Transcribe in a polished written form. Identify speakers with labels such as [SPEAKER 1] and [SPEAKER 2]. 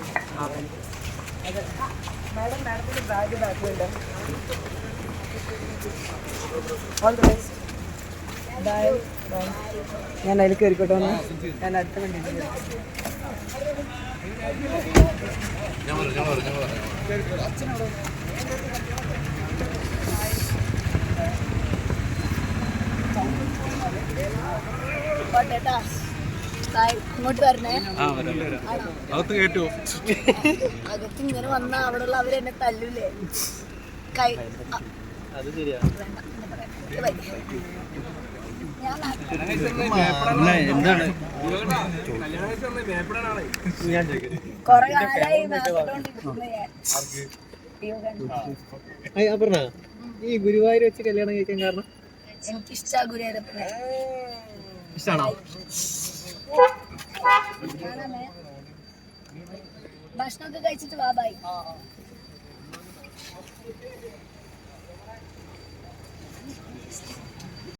[SPEAKER 1] Madam മാഡത്തിന്റെ bag ബാക്കിലുണ്ട്. All the best. Bye bye. ഞാൻ അതിൽ കയറിക്കോട്ടെ ഒന്ന്. ഞാൻ അടുത്ത വണ്ടിയിൽ ഇങ്ങോട്ട് വരണേ. അകത്ത് ഇങ്ങനെ വന്ന അവിടെയുള്ള അവരെന്നെ തല്ലൂലേ? കൈ അത് ശരിയാ. കൊറേ കാലായി
[SPEAKER 2] ഈ ഗുരുവായൂർ വെച്ച് കല്യാണം കഴിക്കാൻ കാരണം
[SPEAKER 1] എനിക്കിഷ്ടാ ഗുരുവായൂരപ്പനെ.
[SPEAKER 2] ഇഷ്ടാണോ?
[SPEAKER 1] ഭക്ഷണമൊക്കെ കഴിച്ചിട്ട് വാ. ബൈ.